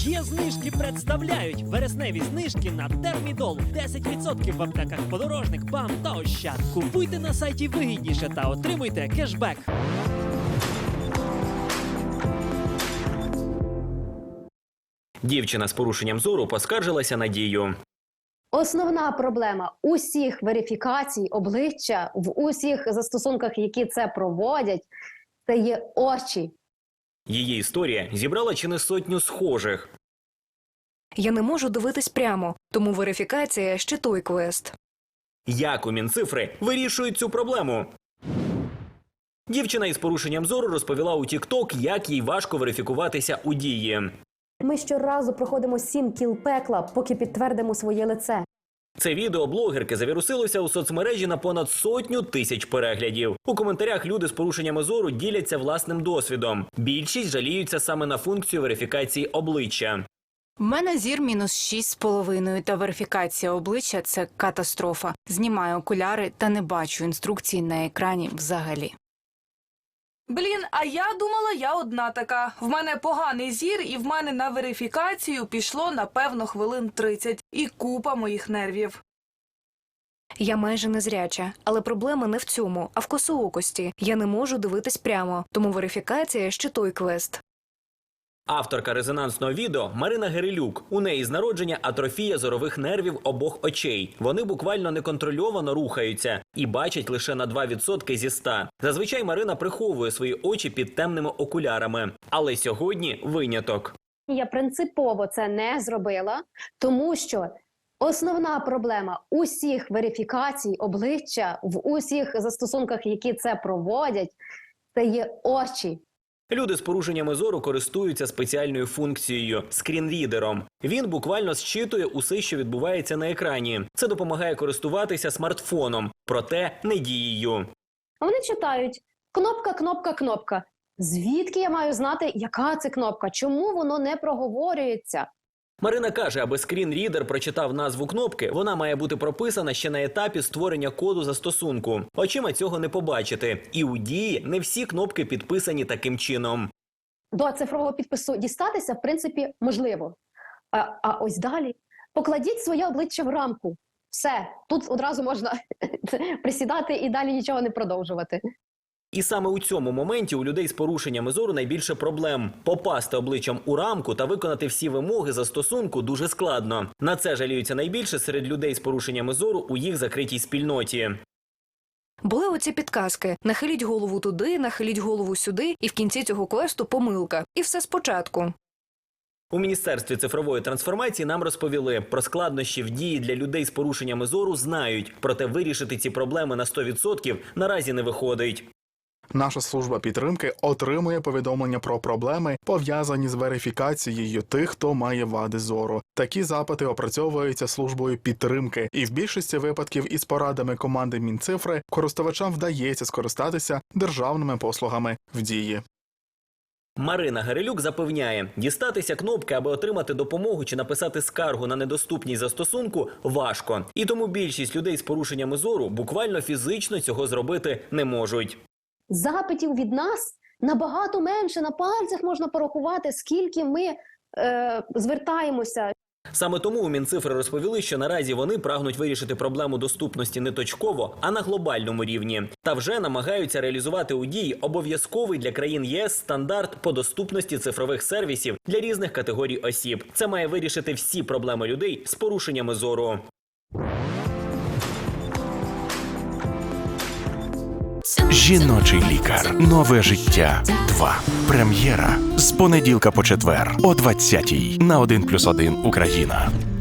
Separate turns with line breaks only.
Є знижки представляють вересневі знижки на Термідол. 10% в аптеках Подорожник, БАМ та Ощад. Купуйте на сайті вигідніше та отримуйте кешбек.
Дівчина з порушенням зору поскаржилася на Дію.
Основна проблема усіх верифікацій обличчя в усіх застосунках, які це проводять, це є очі.
Її історія зібрала чи не сотню схожих.
Я не можу дивитись прямо, тому верифікація ще той квест.
Як у Мінцифри вирішують цю проблему? Дівчина із порушенням зору розповіла у TikTok, як їй важко верифікуватися у Дії.
Ми щоразу проходимо 7 кіл пекла, поки підтвердимо своє лице.
Це відео блогерки завірусилося у соцмережі на понад 100 000 переглядів. У коментарях люди з порушеннями зору діляться власним досвідом. Більшість жаліються саме на функцію верифікації обличчя.
В мене зір мінус 6,5, та верифікація обличчя – це катастрофа. Знімаю окуляри та не бачу інструкцій на екрані взагалі.
Блін, а я думала, я одна така. В мене поганий зір, і в мене на верифікацію пішло, напевно, хвилин 30. І купа моїх нервів.
Я майже незряча, але проблема не в цьому, а в косоокості. Я не можу дивитись прямо, тому верифікація ще той квест.
Авторка резонансного відео Марина Герелюк. У неї з народження атрофія зорових нервів обох очей. Вони буквально неконтрольовано рухаються і бачать лише на 2% зі 100. Зазвичай Марина приховує свої очі під темними окулярами. Але сьогодні виняток.
Я принципово це не зробила, тому що основна проблема усіх верифікацій обличчя в усіх застосунках, які це проводять, це є очі.
Люди з порушеннями зору користуються спеціальною функцією – скрінрідером. Він буквально зчитує усе, що відбувається на екрані. Це допомагає користуватися смартфоном, проте не дією.
Вони читають кнопка, кнопка, кнопка. Звідки я маю знати, яка це кнопка? Чому воно не проговорюється?
Марина каже, аби скрінрідер прочитав назву кнопки, вона має бути прописана ще на етапі створення коду застосунку. Очима цього не побачити. І у Дії не всі кнопки підписані таким чином.
До цифрового підпису дістатися, в принципі, можливо. А ось далі покладіть своє обличчя в рамку. Все, тут одразу можна присідати і далі нічого не продовжувати.
І саме у цьому моменті у людей з порушеннями зору найбільше проблем. Попасти обличчям у рамку та виконати всі вимоги застосунку дуже складно. На це жаліються найбільше серед людей з порушеннями зору у їх закритій спільноті.
Були оці підказки – нахиліть голову туди, нахиліть голову сюди, і в кінці цього квесту помилка. І все спочатку.
У Міністерстві цифрової трансформації нам розповіли, про складнощі в Дії для людей з порушеннями зору знають, проте вирішити ці проблеми на 100% наразі не виходить.
Наша служба підтримки отримує повідомлення про проблеми, пов'язані з верифікацією тих, хто має вади зору. Такі запити опрацьовуються службою підтримки, і в більшості випадків із порадами команди Мінцифри користувачам вдається скористатися державними послугами в Дії.
Марина Герелюк запевняє, дістатися кнопки, аби отримати допомогу чи написати скаргу на недоступність застосунку – важко. І тому більшість людей з порушеннями зору буквально фізично цього зробити не можуть.
Запитів від нас набагато менше, на пальцях можна порахувати, скільки ми звертаємося.
Саме тому у Мінцифри розповіли, що наразі вони прагнуть вирішити проблему доступності не точково, а на глобальному рівні. Та вже намагаються реалізувати у Дії обов'язковий для країн ЄС стандарт по доступності цифрових сервісів для різних категорій осіб. Це має вирішити всі проблеми людей з порушеннями зору.
Жіночий лікар. Нове життя. 2. Прем'єра. З понеділка по четвер о 20-й на 1+1 Україна.